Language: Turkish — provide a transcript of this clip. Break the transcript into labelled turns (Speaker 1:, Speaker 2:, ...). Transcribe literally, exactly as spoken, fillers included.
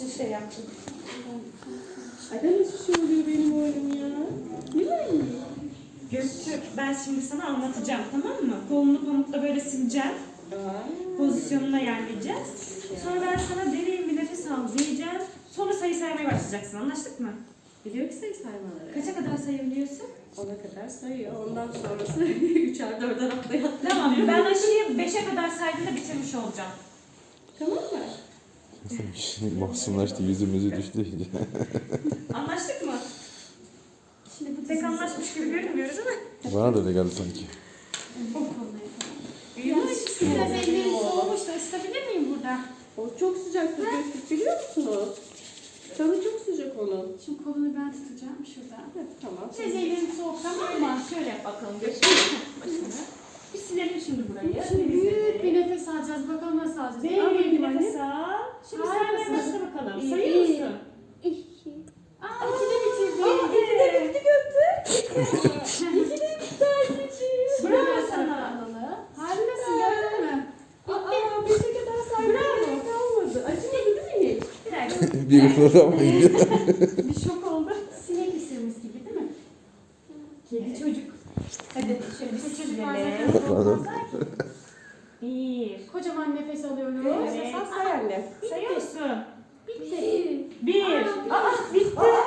Speaker 1: için şey yaptım.
Speaker 2: Ay ben nasıl şey oluyor benim oğlum ya? Nilay.
Speaker 1: Göktürk, ben şimdi sana anlatacağım, tamam mı? Kolunu pamukla böyle sileceğim. Pozisyonuna yerleyeceğiz. Sonra ben sana derin bir nefes al diyeceğim. Sonra sayı saymaya başlayacaksın. Anlaştık mı?
Speaker 2: Biliyor ki sayı saymaları.
Speaker 1: Kaça kadar sayabiliyorsun?
Speaker 2: Ona kadar sayıyor. Ondan sonrası üçer dörder atlaya atlaya.
Speaker 1: Tamam, ben aşıyı beşe kadar saydığında bitirmiş olacağım.
Speaker 2: Tamam mı?
Speaker 3: Mahzunlaştı, yüzümüzü düştü iyice.
Speaker 1: Anlaştık mı? Şimdi bu tek anlaşmış gibi görünmüyoruz değil mi?
Speaker 3: Bana da öyle geldi sanki.
Speaker 1: Bu konuyu. Biraz ellerim soğumuş da ısıtabilir miyim burada?
Speaker 2: O çok sıcak Göktürk biliyor musunuz? Canı çok sıcak onun.
Speaker 1: Şimdi kolunu ben tutacağım şuradan.
Speaker 2: Evet, tamam.
Speaker 1: Biraz ellerim soğuk ama şöyle yap bakalım. Başını. Bir silelim şimdi burayı.
Speaker 4: Şimdi büyük bir nefes alacağız. Bakalım nasıl alacağız.
Speaker 1: Derin bir
Speaker 4: Aferin
Speaker 1: nefes
Speaker 4: anne.
Speaker 1: al. Şimdi
Speaker 4: Harikasın.
Speaker 1: saymaya başla bakalım.
Speaker 4: İyi,
Speaker 1: Sayıyor
Speaker 4: iyi.
Speaker 1: musun?
Speaker 4: Aa, iki de bitirdi.
Speaker 2: Aa, iki de bitti Göktürk. İki de bitti anneciğim.
Speaker 1: Bravo sana.
Speaker 4: Harikasın, gördün mü?
Speaker 2: Aa, beşe kadar saymaya gerek kalmadı. Acımadı değil mi hiç?
Speaker 1: Bir dakika.
Speaker 3: Bir kıpırdamayın.
Speaker 4: Bir şok oldu. Sinek ısırmış gibi değil mi?
Speaker 1: Kedi çocuk. Hadi şöyle bir
Speaker 4: Çocuk
Speaker 1: çizelim.
Speaker 4: bazen olmazlar ki.
Speaker 1: Bir.
Speaker 4: Kocaman nefes alıyoruz.
Speaker 1: Evet.
Speaker 2: Esas say anne.
Speaker 1: Sayıyorsun.
Speaker 4: Bitti.
Speaker 1: Bir. Aa bitti.